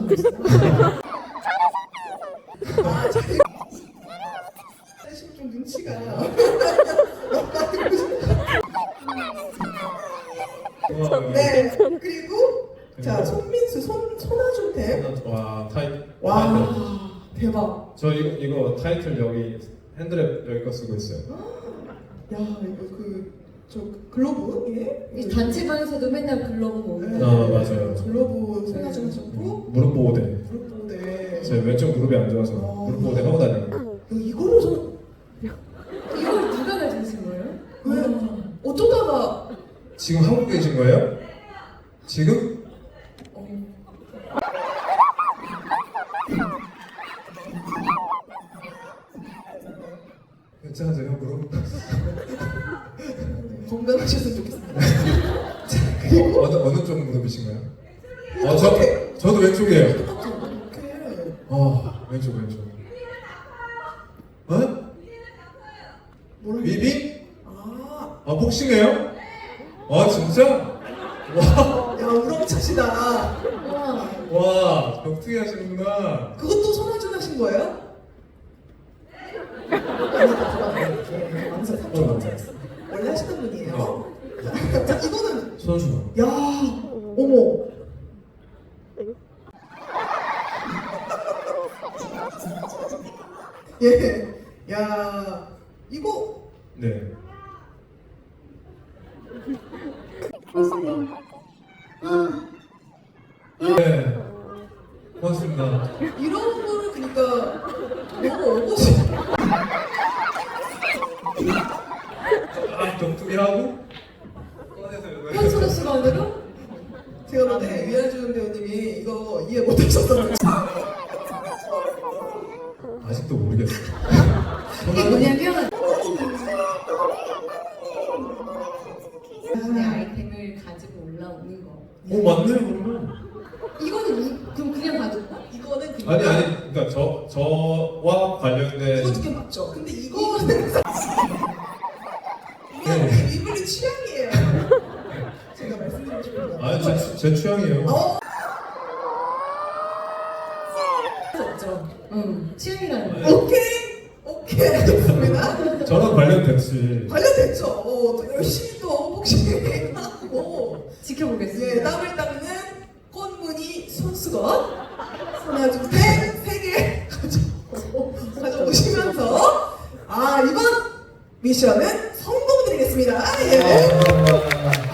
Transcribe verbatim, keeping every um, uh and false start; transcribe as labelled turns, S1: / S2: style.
S1: 하고 있어요. 아, 자기 사실 좀 눈치가 네. 그리고 자 손민수 손 손아준템.
S2: 와 타이.
S1: 와
S2: 타이틀.
S1: 대박.
S2: 저 이거 이거 타이틀 여기 핸드랩 여기 거 쓰고 있어요.
S1: 야 이거 그 저 글로브 예?
S3: 이 단체방에서도 맨날 글러브 모으고.
S1: 네.
S2: 아 맞아요.
S1: 글로브 손아준 하셨고
S2: 무릎 보호대.
S1: 무릎 보호대.
S2: 제 왼쪽 무릎이 안 좋아서
S1: 어.
S2: 무릎 보호대 하고 다니고.
S1: 이거를 좀
S3: 이걸 누가 가져오신 거예요?
S1: 왜
S3: 와.
S1: 어쩌다가
S2: 지금 한국에 계신 거예요? 지금?
S1: 어,
S2: 괜찮으세요 무릎?
S1: 건강하셨으면 좋겠습니다.
S2: 어, 어느 어느 쪽 무릎이신가요? 어저 저도 왼쪽이에요.
S1: 이렇게
S2: 아 왼쪽 왼쪽. 어?
S1: 뭐라
S2: 위비?
S1: 아,
S2: 아 복싱해요? 아 진짜? 와,
S1: 야 우렁차시다.
S3: 와.
S2: 와 격투기 하시는구나.
S1: 그것도 손아준 하신 거예요? 망설 삼촌 망설했어. 원래 하시던 분이에요. 자 이거는
S2: 선수.
S1: 야 어머. 예, 야 이거
S2: 네. 네. 고맙습니다.
S1: 이런 거를 그러니까 너무 어거지.
S2: 아 격투기 하고 꺼내서 이거.
S3: 현수로 씨가 오늘은?
S1: 제가 볼때 위안준 배우님이 이거 이해 못하셨던 거.
S2: 아직도 모르겠어.
S3: 이게 뭐냐면 내 아이템을 가지고 올라오는 거.
S2: 오 맞네요 그러면.
S3: 이거는 이, 그럼 그냥 가져가?
S1: 이거는 그냥
S2: 아니 아니 그러니까 저 저와 관련된.
S1: 이거 두개 맞죠? 근데 이거는 이거는 이분의 취향이에요. 제가 말씀드리고 싶은 거.
S2: 아니 제, 제 취향이에요.
S1: 어?
S3: 없죠. 응. 취향이라는 거.
S1: 오케이 오케이 좋습니다.
S2: 저랑 관련됐지.
S1: 관련됐죠. 어, 또 열심히 또 복싱하고
S3: 지켜보겠습니다.
S1: 예, 땀을 닦는 꽃무늬 손수건 손아준 펜세개 가져 가져오시면서 아 이번 미션은 성공드리겠습니다. 예.
S2: 아,